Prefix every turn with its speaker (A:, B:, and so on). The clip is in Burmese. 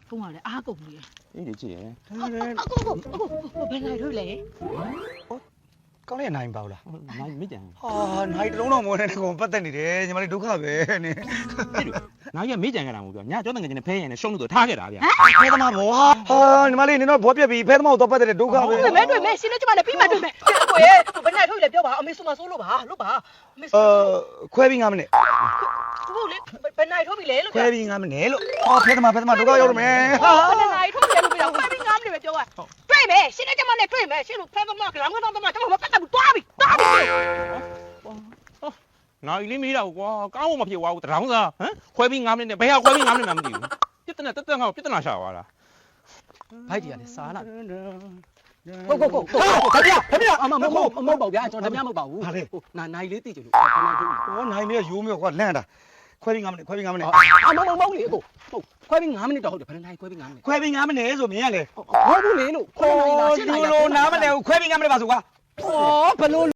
A: ဖုန်းကလည်းအားကုန်နေတယ်
B: အေးဒီကြည့်ရယ်
A: အခုဘယ်နိုင်ထုတ်လဲ
C: ကောင်းလေးနိုင်ပါဘူးလား
B: နိုင်မကြံ
C: ဟာနိုင်တလုံးတော့မဝင်တဲ့ကောင်ပတ်သက်နေတယ်ညီမလေးဒုက္ခပဲနင်
B: ဖြစ်လို့နိုင်ရမေးကြံကြတာမဟုတ်ပြောညာကျောင်းတငယ်ချင်းနဲ့ဖဲရင်နဲ့ရှုံးလို့ထားခဲ့တာဗျာ
C: ဖဲသမားမောဟာညီမလေးနင်တော့ဘောပြက်ပြီဖဲသမားကိုတော့ပတ်သက်တဲ့ဒုက္ခပဲ
A: တွေ့မယ်တွေ့မယ်ရှင်းလို့ကျမလည်းပြီးမှတွေ့မယ်ကိုရဲ့ဘယ်နိုင်ထုတ်လဲပြောပါအမေဆိုမဆိုးလို့ပါလို့ပါအမေဆို
C: ခွဲပြီး9မိနစ်
A: ဟုတ်လေဘယ်နိုင်ထုတ်ပြီလဲလို့
C: ခွဲပြီး9မိနစ်လို့ဟာဖဲသမားဒုက္ခရောက်တော့မယ်ဟာ
A: ဘယ်နိုင်ထုတ်လဲလို့ပြောခွဲပြီး9မိနစ်ပဲပြောတွေ့မယ်ရှင်းလို့ကျမနဲ့တွေ့မယ်ရှင်းလို့ဖဲသမားကလည်းငါတော့ကျမမပတ်သက်ဘူးတွားပြီ
B: နိုင်လေးမေးတာကွာကောင်းမှမဖြစ်သွားဘူးတရောင်းစားဟမ်ခွဲပြီး9မိနစ်နဲ့ဘယ်ဟာခွဲပြီး9မိနစ်မှမသိဘူးပြဿနာတက်တက်ငါ့ကိုပြဿနာရှာသွားတာ
D: ဘိုက်ကြီးကလည်းစားလာ
A: ကိုအမမဟုတ်ပါဗျာကျွန်တော်ဓမြမဟုတ်ပါဘူးနိုင်လေးသိကြလို့ခဏထုတ်
C: ဟောနိုင်လေးရိုးမြော့ကွာလန့်တာခွဲပြီး9မိနစ်ခွဲပြီး9မိနစ်
A: အမမဟုတ်လေကိုဟုတ်ခွဲပြီး9မိနစ်တော့ဟုတ်တယ်ဘယ်နိုင်ခွဲပြီး9မိနစ်
C: ခွဲပြီး9မိနစ်ဆိုမြင်ရလေ
A: ဟုတ်ဘူးလေလို့ခွဲနိုင်လားရှင်းနိုင်လား
C: နားမလဲဘူးခွဲပြီး9မိနစ်ပါဆိုကွာ
A: ဩဘလို့